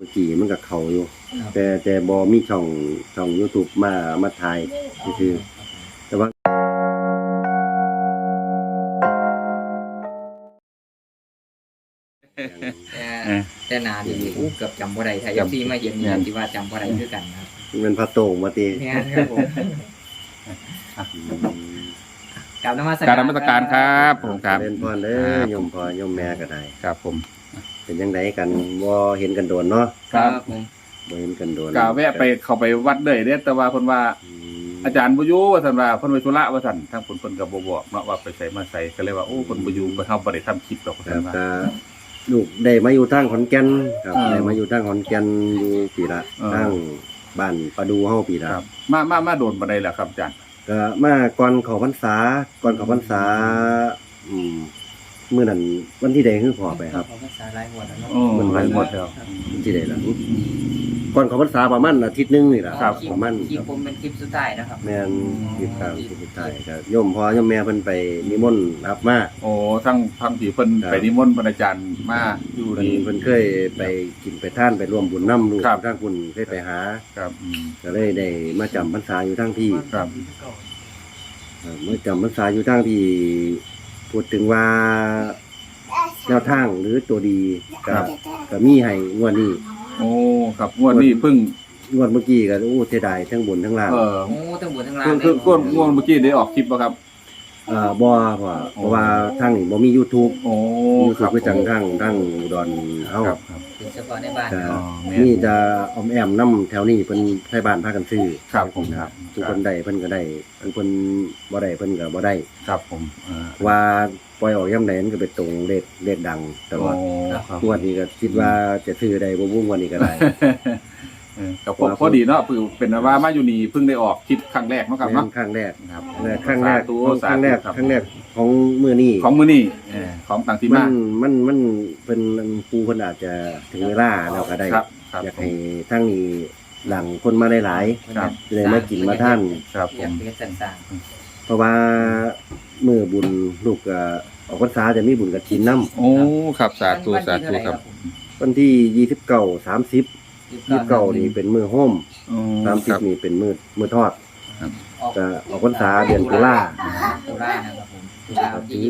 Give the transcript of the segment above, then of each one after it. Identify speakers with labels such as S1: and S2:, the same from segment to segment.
S1: กี่มันก็เข้าอยู่แต่บ่มีช่อง YouTube มาถ่ายคือแต่ว่า
S2: แต่นาดีเกือบจำบ่ได้ถ้า FC มาเห็นนี่สิว่าจำบ่ได้คือกันครับ
S1: มันพระโต่งมาติ
S2: แม่นครับผมกราบนมัส
S3: กรารนมัสการครับผมครับ
S1: เล่นพรเด้อโยมพ่อโยมแม่ก็ได้
S3: ครับผม
S1: เป็นจังไดกันบ่เห็นกันโดนเนาะ
S2: ครับผม
S1: บ่เห็นกันโดน
S3: กาแวะไปเข้าไปวัดเด้อเด้อแต่ว่าเพิ่นว่าอาจารย์บ่อยู่ว่าซั่นว่าเพิ่นไปธุระว่าซั่นทางเพิ่นก็บ่บอกเนาะว่าไปไสมาไสก็เลยว่าโอ้เพิ่นบ่อยู่บ่เฮาบ่ได้ทำคลิปดอกว่า
S1: ค
S3: ซั่
S1: รั
S3: น
S1: บ
S3: ว่า
S1: ก็ลูกได้มาอยู่ทางขอนแก่นครับ
S3: อ่า
S1: ได้มาอยู่ทางขอนแก่นอยู่ปีละ
S3: อ่า
S1: ทางบ้านประดูเฮาปีละ
S3: ครับมาโดนบ่ได้แล้วครับอาจารย์
S1: ก็มาก่อนเข้าพรรษามื้อนั้นวันที่ใดคือพอไปครับ
S2: ภาษาหลายหัวแล้วเนาะ
S3: โอ้
S1: มัน
S3: ไปหมดแล้ว
S1: วันที่ใดล่ะก่อนเข้าพรรษาประมาณอาทิตย์หนึงนี่ล่ะ
S3: ครับ
S1: ประมาณ
S2: คลิปผมเป็นคลิปสุดท้ายนะครับ
S1: แม่นที่กลางที่สุดท้ายก็โยมพ่อโยมแม่เพิ่นไปนิมนต์รับมา
S3: โอ้ทั้งที่เพิ่น
S1: ครับ
S3: ไปนิมนต์พระอาจารย์มาอยู่
S1: เพิ่น
S3: นี่
S1: เพิ่นเคยไปกินไปทานไปร่วมบุญนํลูก
S3: ครับ
S1: ทางคุณเคยไปหา
S3: ครับ
S1: ก็เลยได้มาจำพรรษาอยู่ทั้งที่
S3: ครับ
S1: เมื่อจำพรรษาอยู่ทั้งที่พูดถึงว่าแนวทางหรือตัวดีก็มีให้งวดนี้
S3: โอ้ครับงวดนี้เพิ่ง
S1: งวดเมื่อกี้ก็โอ้เสียดายทั้งบนทั้งล่าง
S3: โอ้
S2: ทั้งบนทั้งล่าง
S3: คือง่วงเมื่อกี้ได้ออกคลิปบ่ครับ
S1: บ่เพราะว่าทางนี้บ่มี YouTube
S3: โอ้
S1: YouTube คือจังทางอุดรเฮา
S3: ครับ
S2: เป็นเฉพาะในบ้าน
S1: ก็
S3: อ๋อแม่น
S1: มีจะออมแอมนํแถวนี้เพิ่นไทบ้านพากันซื้อ
S3: ครับผมครับ
S1: ทุกคนได้เพิ่นก็ได้อันเพิ่นบ่ได้เพิ่นก็บ่ได้
S3: ครับผม
S1: ว่าปล่อยออกยามใดมันก็ไปตรงเลขดังตลอด
S3: ครับ
S1: งวดนี้ก็คิดว่าจะซื้อได้บ่บุ้งวันนี้ก็ได้
S3: กับผมพอดีเนาะคือเป็นว่ามาอยู่นี่เพิ่งได้ออกคลิปครั้งแรกเนาะครับ
S1: แม่
S3: เนาะ
S1: นครั้งแรก
S3: ครับ
S1: ครั้งแรก
S3: สาธุ
S1: ครั้งแรกของมื้อนี้
S3: ของมื้อนี้ของต่างที่
S1: มั
S3: มาน
S1: มันเป็นปูเพิ่นอาจจะถึงเวลาแล้วก็ได้
S3: ครับครับ
S1: อยากให้ทางนี้หลังคนมาได้หลาย
S3: ครับ
S1: จะได้มากินมาท่าน
S3: ครับผ
S2: อยาก
S3: ม
S2: เรียนต่าง
S1: เพราะว่ามื้อบุญลูกก็ออกพรรษาจะมีบุญกฐินนำ
S3: โอ้ครับ
S2: ๆ
S3: สาธุสาธุครับ
S1: วันที่29 30 29นี่เป็นมื้อโฮม
S3: ครับ
S1: 30นี่เป็นมื้อทอด จะออกพรรษาเดือนตุลา
S2: ตุลานะครับผมตุลาวันที่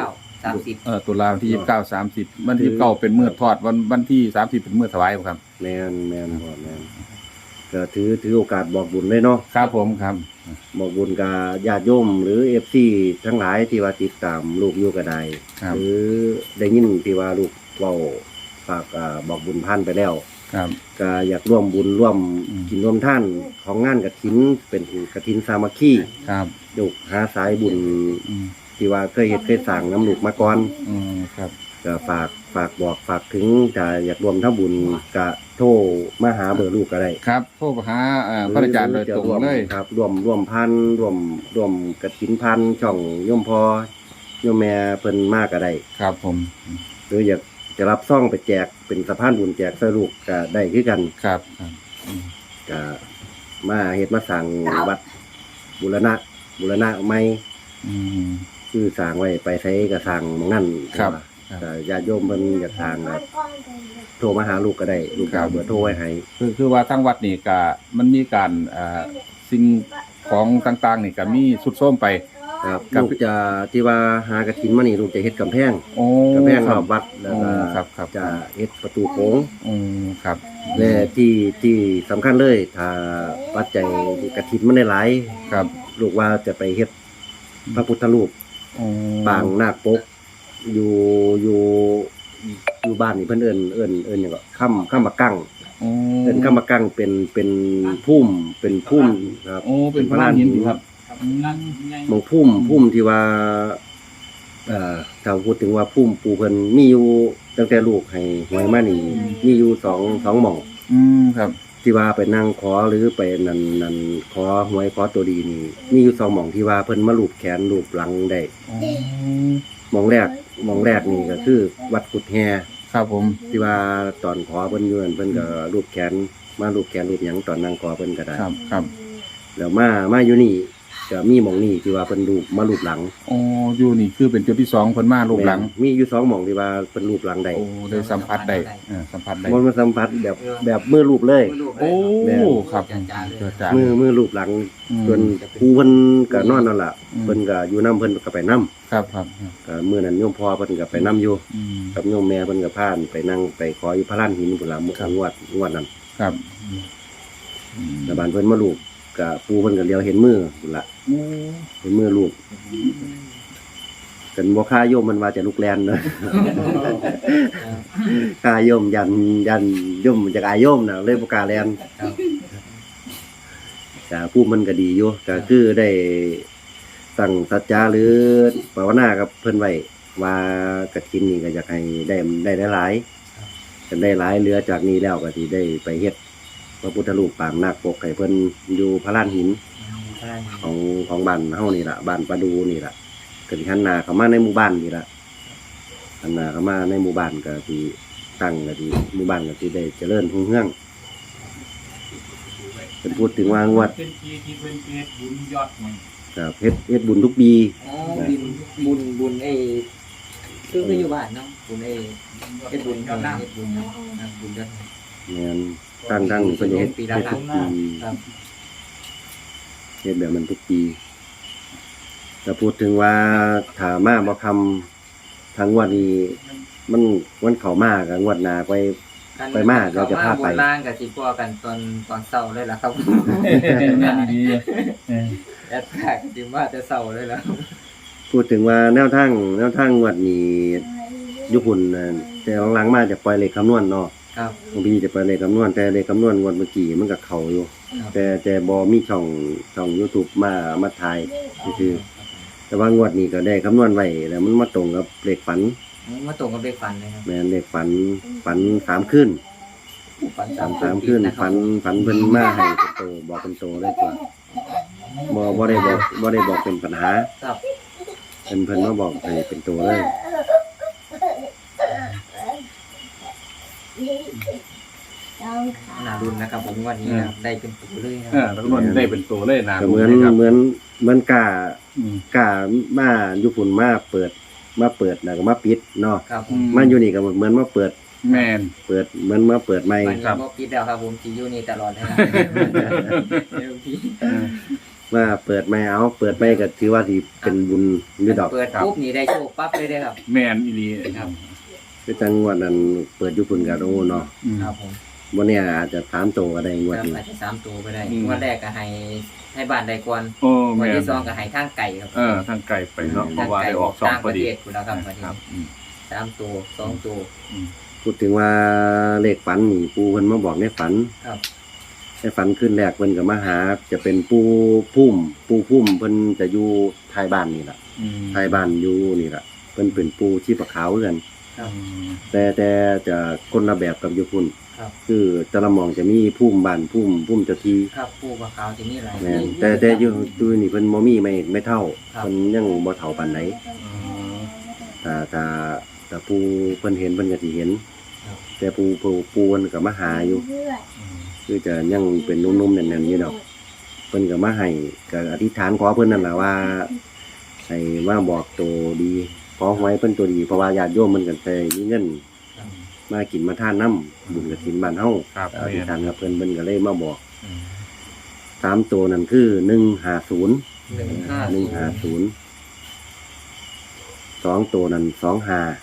S2: 29 30
S3: ตุลาวันที่29 30วันที่29เป็นมื้อทอดวันที่30เป็นมื้อถวายครับ
S1: แม่นพ่อแม่นก็ถือโอกาสบอกบุญเลยเนาะ
S3: ครับผมครับ
S1: บอกบุญกับญาติโยมหรือ FC ทั้งหลายที่ว่าติดตามลูกอยู่ก็ได้
S3: ครับ
S1: หรือได้ยินที่ว่าลูกเว้าฝากบอกบุญพันไปแล้ว
S3: ครับ
S1: ก็อยากร่วมบุญร่วม
S3: อืม
S1: กินร่วมท่านของงานกฐินเป็นกฐินสามัคคี
S3: ครับ
S1: ลูกหาสายบุญ
S3: อืม
S1: ที่ว่าเคยเฮ็ดเคยสร้างน้ำลูกมาก่อน
S3: ครับ
S1: ก็ฝากบอกฝากถึงถ้าอยากรวมทำบุญก็โทรมาหาเบอร์ลูกก็ได้
S3: ครับโทรหาพระอาจารย์โดยตรงเลย
S1: ครับรวมพันรวมกฐินพันช่องโยมพอโยมแม่เพิ่นมากก็ได้
S3: ครับผม
S1: หรืออยากจะรับซ่องไปแจกเป็นสะพานบุญแจกใส่ลูกก็ได้คือกัน
S3: ครับ
S1: ก็มาเฮ็ดมาสร้างวัดบูรณะใหม่
S3: อืม
S1: คือสร้างไว้ไปใช้ก็สร้างหม้องนั้น
S3: ครับ
S1: ก็ญาติโยมเพิ่นอยากสร้างก็โทรมาหาลูกก็ได้ลูกก็เอาเบอร์โทรไว้ให้
S3: คือว่าทั้งวัดนี่ก็มันมีการสิ่งของต่างๆนี่ก็มีสุดโทรมไป
S1: ครับ
S3: ครับ
S1: ลูกจะที่ว่าหากฐินมานี่ลูกจะเฮ็ดกำแพง
S3: โอ้
S1: กำแพง
S3: ค
S1: ร
S3: รั
S1: อบวัดแล้วก็
S3: ครับ
S1: จะเฮ็ดประตูโค้ง
S3: ครับ
S1: และที่สำคัญเลยถ้าปัจจัยกฐินมันได้หลาย
S3: ครับ
S1: ลูกว่าจะไปเฮ็ดพระพุทธรูปปางนาคปกอยู่บ้านนี่เพิ่นเอิ้นหยังก็ค่ำบักกั้งเอิ้นค่ำบักกั้งเป็นพุ่มครับ
S3: โอ้เป็นพระลานหินครับ
S1: หมองพุ่มที่ว่าถ้าพูดถึงว่าพุ่มปูเพิ่นมีอยู่ตั้งแต่ลูกให้หวยมานี่มีอยู่สองหม่อง
S3: ครับ
S1: ที่ว่าไปนั่งขอหรือไปนั่นขอหวยขอตัวดีนี่มีอยู่2หม่องที่ว่าเพิ่นมาลูบแขนลูบหลังได้หม่องแรกนี่ก็คือวัดกุดแฮ
S3: ครับผม
S1: ที่ว่าตอนขอเพิ่นอยู่นั่นเพิ่นก็ลูบแขนมาลูบแขนลูบหยังตอนนั่งขอเพิ่นก็ได้
S3: ครับครับ
S1: แล้วมาอยู่นี่ก็มีหม่องนี้ที่ว่าเพิ่นรูปมารูปหลัง
S3: อ๋ออยู่นี่คือเป็นจุดที่2เพิ่นมารูปหลัง
S1: แม่นมีอยู่2หม่องที่ว่าเพิ่นรูปหลังได้
S3: โอ้ได้สัมผัสได้สัมผัสได้
S1: มันมาสัมผัสแบบมือรูปเลย
S3: โอ้
S1: แม่น
S3: ครับ
S2: จ้า
S1: มือรูปหลังส่วนครูเพิ่นก็นอนนั่นล่ะเพิ่นก็อยู่นํเพิ่นก็ไปนํ
S3: ครับครับ
S1: ก็มื้อนั้นโยมพ่อเพิ่นก็ไปนํอยู่
S3: อืม
S1: กับโยมแม่เพิ่นก็พาไปนั่งไปขออยู่พระลานหินพุ่นล่ะมื้องวดนั้น
S3: ครับ
S1: แต่บานเพิ่นมาลูกก็ปู่เพิ่นก็เลียวเห็นมือพุ่นล่ะเห็นมือลูกกันบ่ค่าโยมมันว่าจะลุกแลนเนาะ ค่าโยมยันโยมจากอายโยมน่ะเลยบ่กล้าแลน
S2: ครับ
S1: ก็ผู้มันก็ดีอยู่ก็คือได้ตั้งสัจจะหรือภาวนากับเพิ่นไว้ว่ากฐินนี่ก็อยากให้ได้หลายกันได้หลายเหลือจากนี้แล้วก็สิได้ไปเฮ็ดพระพุทธรูปปางนาคปกให้เพิ่นอยู่พระลานหินของบ้านเฮานี่ล่ะบ้านประดูนี่ล่ะก็สิหันหน้าเข้ามาในหมู่บ้านนี่ล่ะหันหน้าเข้ามาในหมู่บ้านก็สิตั้งก็สิหมู่บ้านก็สิได้เจริญรุ่งเรืองเป็นพูดถึงว่างวด
S4: เป็นปีที่เป็นเฮ็ดบุญยอดมัน
S1: ครับเฮ็ดบุญทุกปี
S2: อ๋อบุญคืออยู่บ้านเนาะบุญเฮ็ดบุญครับเฮ็ดบุญครับบุญยอด
S1: แม่นตั้งเพิ่นจะเฮ็ด
S2: ปีละ
S1: เฮ็ด
S2: ครั้
S1: ทุ
S2: ง
S1: กปี
S2: ครับ
S1: เฮ็ดแบบนั้นทุกปีแต่พูดถึงว่าถ้ามาบ่ทำทางงวดนี้มันเข้ามาก็งวดหน้าไปมาเราจะพาไป
S2: บนล่างกับสิพอกันตอนเช้าเลยล่ะครับ
S3: งานดี
S2: แอดแท็กสิว่าจะเช้าเลยล่ะ
S1: พูดถึงว่าแนวทางงวดนี้อยู่หุ่นน่ะแต่หลังๆมาจะปล่อยเลขคำนวณเนาะ
S2: ครับ
S1: บางทีจะปล่อยเลขคำนวณแต่เลขคำนวณงวดเมื่อกี้มันก็เข้าอยู่
S2: ครับ
S1: แต่บ่มีช่อง YouTube มาถ่ายซื่อๆแต่ว่างวดนี้ก็ได้คำนวณไว้แล้วมันมาตรงกับเลขฝัน
S2: มาตรงกับเลขฝันเลยครับ
S1: แม่นเลขฝัน3คืน
S2: ฝัน
S1: 3คืนฝันเพิ่นมาให้เป็นโตบอกเป็นโตเลยตัวบ่ได้บอกเป็นปัญหา
S2: ครับ
S1: เพิ่นมาบอกให้เป็นโตเลย
S2: น่ารุนนะครับผมวันนี้นะครับได้เป็นตัวเลยนะ
S3: แล้วก็ได้เป็นตัวเลยนะ
S1: ก็เหมือนกล้ามาอยู่พุ่นมาเปิดแล้วก็มาปิดเนาะ
S2: ครับ
S1: มาอยู่นี่ก็เหมือนมาเปิด
S3: แมน
S1: เหมือนมาเปิดใหม่
S2: วันนี้บ่ปิดแล้วครับผมสิอยู่นี่ตลอดเลยเดี๋ยวพี่
S1: มาเปิดใหม่เอาเปิดใหม่ก็ถือว่าสิเป็นบุญอยู่ดอก
S2: เปิดปุ๊บนี่ได้โชคปั๊บเลยได้ครับ
S3: แมนอีนี
S2: ครับ
S1: คือจังงวดนั้นเปิดอยู่พุ่นก็โอ้เนาะ
S2: ครับผม
S1: บ่เนี่ยอาจจะ3โตก็ได้งวด
S2: ครับ
S1: นี้
S2: อาจจะ3ตัวไปได้งวดแรกก็ให้บ้านได้ก่อน
S3: โอ้
S2: ง
S3: แม
S2: วด
S3: น
S2: ที่2ก็ให้ทางไก่ครับ
S3: ทางไกลไปเนาะเพราะว่าได้ออกสอง
S2: ต่าง
S3: พ
S2: ป
S3: อ
S2: ระ
S3: ดี
S2: เทศคุณแล้วครับวัน
S3: ครั
S2: นี้
S3: บ
S2: 3ตัว2ตัว
S1: พูดถึงว่าเลขฝันนี่ปู่เพิ่นมาบอกในฝัน
S2: ครับ
S1: ในฝันขึ้นแรกเพิ่นก็มาหาจะเป็นปู่พุ่มเพิ่นจะอยู่ท้ายบ้านนี่ล่ะท้ายบ้านอยู่นี่ล่ะเพิ่นเป็นปู่ชีพขาวคือกัน
S2: ครับ
S1: แต่จะคนละแบบกับอยู่พุ่น
S2: ครับ
S1: คือแต่ละหม่องจะมีพุ่มบ้านพุ่มเจ้าที่
S2: ครับปูกับขาวที่นี่หลาย
S1: แม่นแต่อยู่นี่เพิ่นบ่มีไม่เท่า
S2: ครับ
S1: เพิ่นยังบ่เท่าปานใดถ้าผู้เพิ่นเห็นเพิ่นก็สิเห็น แต่ผู้เพิ่นก็มาหาอยู่ คือจะยังเป็นนุ่มๆแน่นๆอยู่ดอกเพิ่นก็มาให้ก็อธิษฐานขอเพิ่นนั่นล่ะว่าให้มาบอกตัวดีขอหวยเพิ่นตัวดีเพราะว่าญาติโยมมันก็ได้มีเงินมากินมาทานน้ำบุญกฐินบ้านเฮา
S3: ครับ
S1: อธิษฐานกับเพิ่นก็เลยมาบอก3ตัวนั่นคือ150 2ตัวนั่น25
S2: 25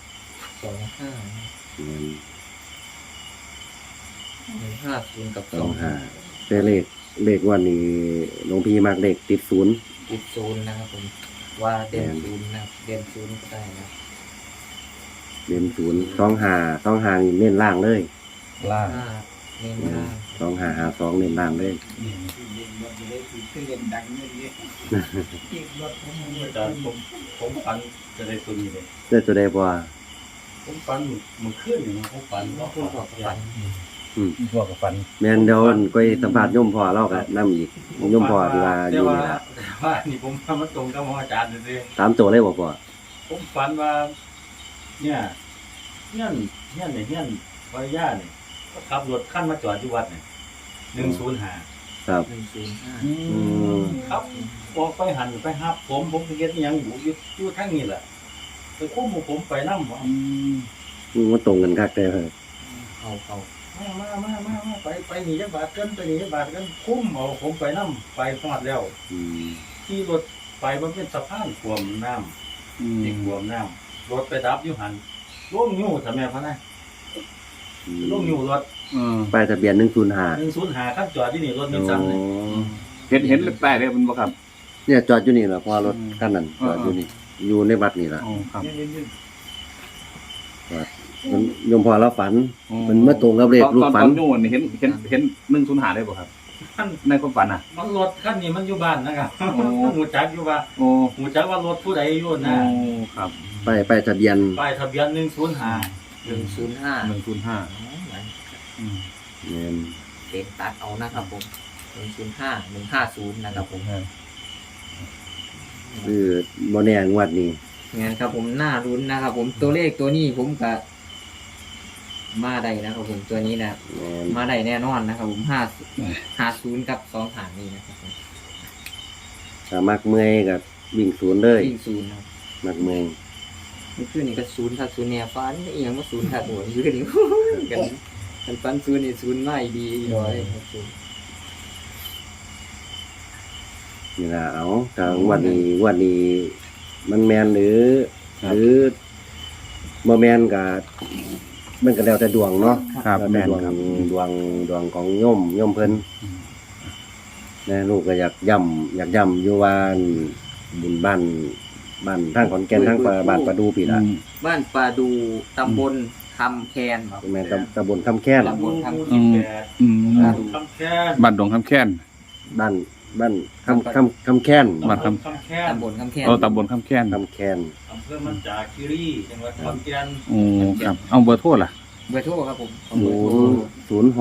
S2: 150กับ25
S1: แต่เลขวันนี้หลวงพี่มักเลขติดศูนย์
S2: ติดศูนย์นะครับผมว่าเด่นศูนย์นะครับเด่นศูนย์ก็ได้นะ
S1: เล่นศูนย์25นี่เน้นล่างเลย
S3: ล่าง
S2: เน้นล่าง
S1: 2552เน้นล่างเลย
S4: ขึ้นเด่นดังนี่นี่รถผมฝันจะได้ตัวนี้เลย
S1: ได้ตัวใดบ่
S4: ผมฝันมันขึ้นอยู่นะผมฝันว่า
S2: พูดบอกฝัน
S3: พวกกับฟัน
S1: แม่นเดี๋ยวก็สัมภาษณ์โยมพ่อเราก็นำอีกโยมพ่อที่ว่าอยู่นี่ล่ะ
S4: ว่านี่ผมมาตรงกับอาจารย์เลย
S1: 3ตัวเลยบ่พ่อ
S4: ผมฝันว่าเนี่ยเฮี้ยนภรรยาเนี่ยก็ขับรถขั้นมาจอดที่วัดเนี่ย105
S1: ครับ
S4: ครับออกไปหันไปหับผมก็เฮ็ดอิหยังอยู่ทางนี้แหละไปคุ้มผมไปนำ
S1: มันตรงกันคักแต่ครับ
S2: เขา
S4: มาไปหนีจักบาทกันไปหนีจักบาทกันคุ้มเอาผมไปนำไปฮอดแล้ว
S1: อืม
S4: ขี่รถไปมันเป็นสะพานท่วมน้ำ ติดท่วมน้ำรถไปดับอยู่หันลงอยู่ทำไมพะนะลงอยู่รถ
S1: ป้ายทะเบียน105
S4: 105คันจอดที่นี่รถนิสสันเลย
S3: เห็นป้ายเลยมันบ่ครับ
S1: เนี่ยจอดอยู่นี่ล่ะเพราะว่ารถคันนั้นจอดอยู่นี่อยู่ในวัดนี่ล่ะ
S3: อ๋อครับ
S1: มันยมพอเราฝันมันมาตรงกับเลขลูกฝัน
S3: ตอนอยู่นี่เห็น105ได้บ่ครับ
S4: คัน
S3: ในความฝันน่ะ
S4: มันรถคันนี้มันอยู่บ้านนะครับ
S3: โอ้
S4: หูจักอยู่ว่า
S3: โอ้
S4: หูจักว่ารถผู้ใดอยู่นะ
S3: ครับ
S1: ป้ายทะเบียน
S4: ป้ายทะเบียน105
S2: 105
S3: 105อืม
S1: แม่น
S2: เด็กตัดเอานะครับผม105 150นะครับผม
S1: คือบ่แน่งวดนี้
S2: งั้นครับผมน่ารุ้นนะครับผมตัวเลขตัวนี้ผมก็มาได้นะครับผมตัวนี้นะ
S1: แม่น
S2: มาได้แน่นอนนะครับผม50กับ2ฐานนี้นะครับผม
S1: ถ้ามักเมื่อยก็วิ่งศูนย์เลย
S2: วิ่งศูนย์ครับ
S1: มักเมื่อย
S2: มันคือนี่ก็ศูนย์ถ้าศูนย์เนี่ยฟันอีหยังว่าศูนย์ถ้าหัวคือนี่ กันฟันศูนย์นี่ศูนย์ไม่ดีร้อยครับผม
S1: นี่ล่ะเอาถ้างวดนี้มันแม่นหรือบ่แม่นก็มันก็แล้วแต่ดวงเนาะ
S3: ครับ
S1: แล้ว
S3: แม่
S1: แต่
S3: นครับ
S1: ดวงของโยมเพิ่นนะลูกก็อยากย้ำอยู่ว่าบุญบ้านทางขอนแก่นทางบ้านประดูปีละ
S2: บ้านปลาดูตำบลคำแคนครับ
S1: แม่นตำบลคำแค้น
S2: ตำบลคำ
S3: อืม อืม
S4: คำแค้น
S3: บ้านดงคำแค้น
S1: บ้านคำแค้น
S3: บ้านค
S4: คำแค้น
S2: ตำบลคำแคน
S3: ตำบลคำแค้น
S1: คำแค้น
S4: อำเภอมันจาคีรีจังหวัดขอนแก่น
S3: โอ้ครับ เอาเบอร์โทรล่ะ
S2: เบอร์โทรครับผม
S1: 062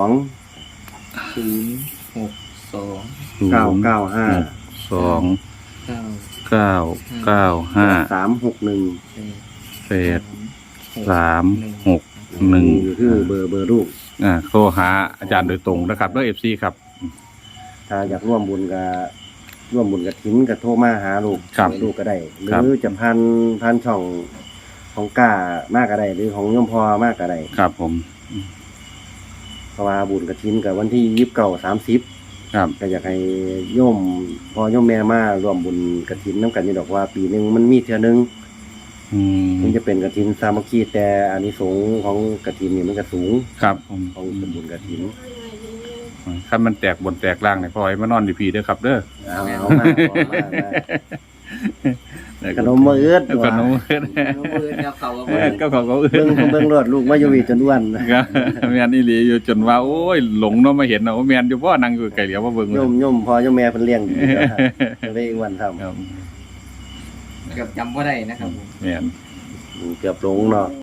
S2: 062
S1: 995
S3: 2
S2: 9
S3: 995
S1: 361
S3: 361
S1: นี่คือเบอร์ลูก
S3: โทรหาอาจารย์โดยตรงนะครับด้วย FC ครับ
S1: ถ้าอยากร่วมบุญกับทิ้นก็โทรมาหาลูก
S3: ครับ
S1: ลูกก็ได้ ห
S3: ครับ
S1: รือจะพันช่องของก้ามากก็ได้ หรือของโยมพอมากก็ได้
S3: ครับผม
S1: เพราะว่าบุญกับทิ้นกับวันที่29-30
S3: ครับ
S1: ก็อยากให้โยมพ่อโยมแม่มาร่วมบุญกฐินน้ำกันนี่ดอกว่าปีหนึงมันมีเทื่อนึง
S3: อืม
S1: มันจะเป็นกฐินสามัคคีแต่อานิสงส์ของกฐินนี่มันก็สูง
S3: ครับผม
S1: ของบุญกฐิน
S3: คันมันแตกบนแตกล่างเนี่ยพอให้มานอนดีพีเด้อครับเด้อ
S1: เอามาขนมมื้อเอื้อ
S3: ขนมเอื้อ
S2: เบอร์แล้วเขาก็
S3: ก็ของเขาเอื้อ
S1: เบิ่งรถลูกมาอยู่วีจนอ้วน
S3: ครับแม่นอีหลีอยู่จนว่าโอ้ยหลงเนาะมาเห็นเนาะแม่นอยู่บ่นั่งอยู่ไกลเหลียวว่าเบิ่ง
S1: โยมพ่อโยมแม่เพิ่นเลี้ยงดีก็เลยอ้วนทำ
S3: ครับ
S2: เกือบจำว่าได้นะครับผม
S3: แม่น
S1: เกือบหลงเนาะ